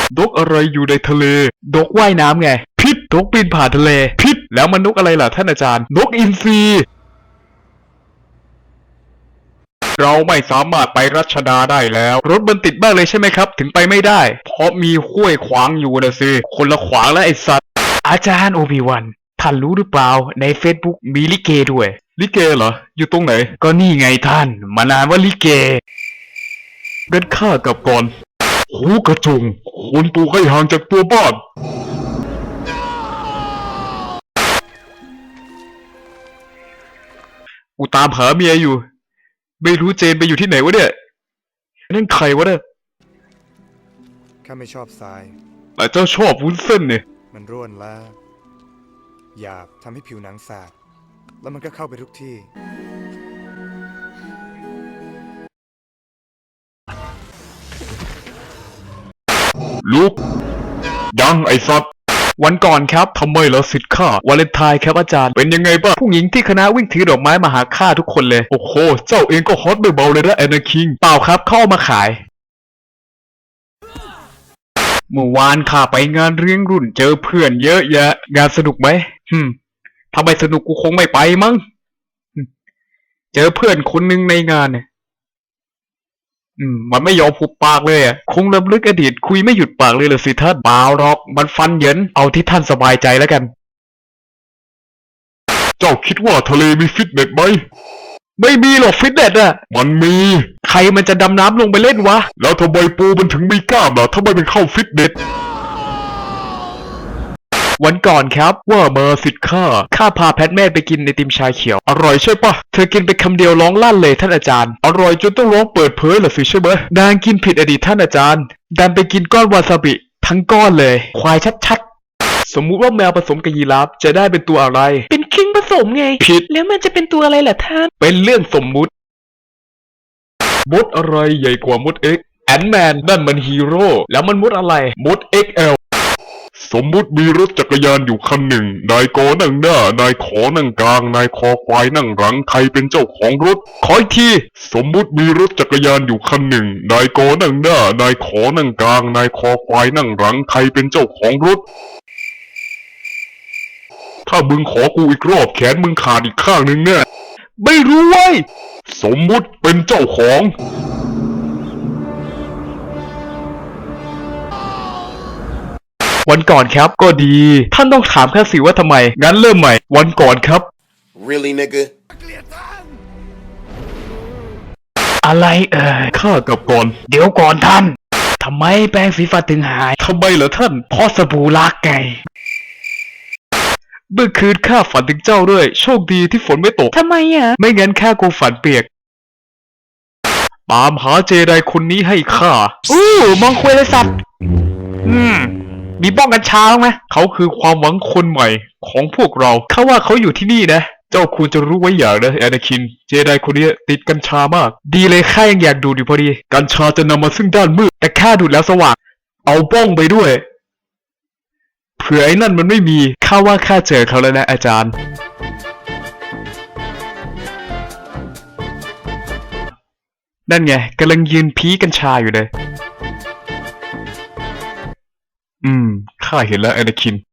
นกอะไรอยู่ในทะเลนกว่ายน้ำไงพิษนกบินผ่านทะเลพิษแล้วมันนกอะไรล่ะท่านอาจารย์นกอินทรีเราไม่สามารถไปรัชดาได้แล้วรถมันติดมากเลยใช่ไหมครับถึงไปไม่ได้เพราะมีห้วยขวางอยู่นะสิคนละขวางแล้วไอ้สัตว์อาจารย์โอบิวันท่านรู้หรือเปล่าใน Facebook มีลิเกด้วยลิเกเหรออยู่ตรงไหนก็นี่ไงท่านมานานว่าลิเกเดินข้ากลับก่อนหูกระจงคนตัวให้ห่างจากตัวบ้านกูตามหาเมียอยู่ไม่รู้เจนไปอยู่ที่ไหนวะเนี่ยนั่นใครวะเนี่ยข้าไม่ชอบทรายแต่เจ้าชอบวุ้นเส้นเนี่ยมันร่วนและหยาบทำให้ผิวหนังสาบแล้วมันก็เข้าไปทุกที่ลุกยังไอ้สัตว์วันก่อนครับทำไมเหรอสิทธิ์ข้าวาเลนไทน์ครับอาจารย์เป็นยังไงบ้างผู้หญิงที่คณะวิ่งถือดอกไม้มาหาข้าทุกคนเลยโอ้โหเจ้าเองก็ฮอตไม่เบาเลยนะแอนนาคิงเปล่าครับเข้ามาขายเมื่อวานข้าไปงานเลี้ยงรุ่นเจอเพื่อนเยอะแยะงานสนุกไหมทำไมสนุกกูคงไม่ไปมั้งเจอเพื่อนคนหนึ่งในงานเนี่ยมันไม่ยอมหุบปากเลยอ่ะคงรำลึกอดีตคุยไม่หยุดปากเลยเหรอสิท่านเปล่าหรอกมันฟันเหยินเอาที่ท่านสบายใจแล้วกันเจ้าคิดว่าทะเลมีฟิตเนสไหมไม่มีหรอกฟิตเนสอ่ะมันมีใครมันจะดำน้ำลงไปเล่นวะแล้วทำไมปูมันถึงมีกล้ามล่ะทำไมมันเข้าฟิตเนสวันก่อนครับว่ามาสิทธิ์ข้าพาแพทแม่ไปกินไอติมชาเขียวอร่อยใช่ปะเธอกินไปคำเดียวร้องลั่นเลยท่านอาจารย์อร่อยจนต้องร้องเปิดเผยเหรอสิใช่ไหมนางกินผิดอดีตท่านอาจารย์ดันไปกินก้อนวาซาบิทั้งก้อนเลยควายชัดๆสมมุติว่าแมวผสมกับยีราฟจะได้เป็นตัวอะไรเป็นคิงผสมไงผิดแล้วมันจะเป็นตัวอะไรล่ะท่านเป็นเรื่องสมมุติมดอะไรใหญ่กว่ามดเอ็กแอนแมนนั่นมันฮีโร่แล้วมันมดอะไรมด XLสมมุติมีรถจักรยานอยู่คันหนึ่งนายกนั่งหน้านายขอนั่งกลางนายคอควายนั่งหลังใครเป็นเจ้าของรถขออีกทีสมมุติมีรถจักรยานอยู่คันหนึ่งนายกนั่งหน้านายขอนั่งกลางนายคอควายนั่งหลังใครเป็นเจ้าของรถถ้ามึงขอกูอีกรอบแขนมึงขาดอีกข้างหนึ่งเนี่ยไม่รู้เว้ยสมมุติเป็นเจ้าของวันก่อนครับก็ดีท่านต้องถามข้าสิว่าทำไมงั้นเริ่มใหม่วันก่อนครับ Really, nigga? อะไรข้ากับก่อนเดี๋ยวก่อนท่านทำไมแปรงสีฟันถึงหายทำไมเหรอท่านเพราะสบู่ลักไงเมื่อคืนข้าฝันถึงเจ้าด้วยโชคดีที่ฝนไม่ตกทำไมไม่งั้นข้าคงฝันเปียกตามหาเจไดคนนี้ให้ข้ามองคุยเลยสัตว์มีบ้องกัญชาไหมเขาคือความหวังคนใหม่ของพวกเราเขาว่าเขาอยู่ที่นี่นะเจ้าควรจะรู้ไว้อย่างนะแอนาคินเจไดคนนี้ติดกัญชามากดีเลยข้ายังอยากดูดอยู่พอดีกัญชาจะนำมาซึ่งด้านมืดแต่ข้าดูดแล้วสว่างเอาบ้องไปด้วยเผื่อไอ้นั่นมันไม่มีข้าว่าข้าเจอเขาแล้วนะอาจารย์นั่นไงกำลังยืนพีกัญชาอยู่เลยข้าเห็นแล้วแอนาคิน